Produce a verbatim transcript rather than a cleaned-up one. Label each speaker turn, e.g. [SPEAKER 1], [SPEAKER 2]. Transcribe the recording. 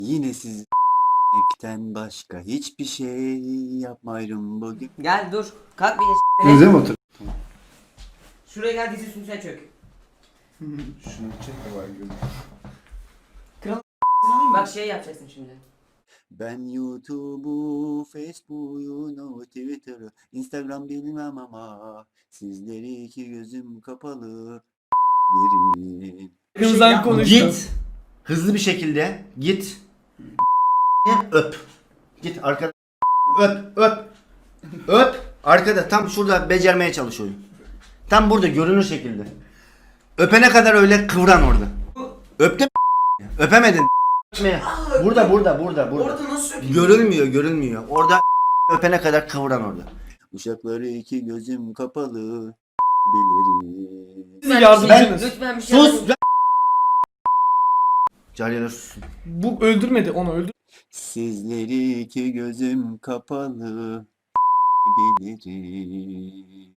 [SPEAKER 1] Yine siz ekten başka hiçbir şey yapmayırım bugün.
[SPEAKER 2] Gel dur. Kalk bir
[SPEAKER 3] Bize
[SPEAKER 2] de.
[SPEAKER 3] mi otur?
[SPEAKER 2] Şuraya gel dizi üstüne sen çök.
[SPEAKER 3] Şunu çek de var görün.
[SPEAKER 2] Bak şey yapacaksın şimdi.
[SPEAKER 1] Ben YouTube'u, Facebook'u, no, Twitter'ı, Instagram bilmem ama sizleri iki gözüm kapalı yerim.
[SPEAKER 4] Kızdan konuştu.
[SPEAKER 1] Git. Hızlı bir şekilde git. Öp. Git arkada. Öp, öp. Öp. Arkada tam şurada becermeye çalışıyorum. Tam burada görünür şekilde. Öpene kadar öyle kıvran orada. Öptün mü? Öpemedin. Burada burada burada burada.
[SPEAKER 2] Orada nasıl öpeyim?
[SPEAKER 1] Görülmüyor görülmüyor. Orada öpene kadar kıvran orada. Uşakları iki gözüm kapalı bilirim.
[SPEAKER 4] Siz yardımcınız.
[SPEAKER 2] Lütfen bir şey
[SPEAKER 1] Sus!
[SPEAKER 2] yapmayın.
[SPEAKER 1] Cariyeler sussun.
[SPEAKER 4] Bu öldürmedi, onu öldür.
[SPEAKER 1] Sizleri iki gözüm kapalı bilirim.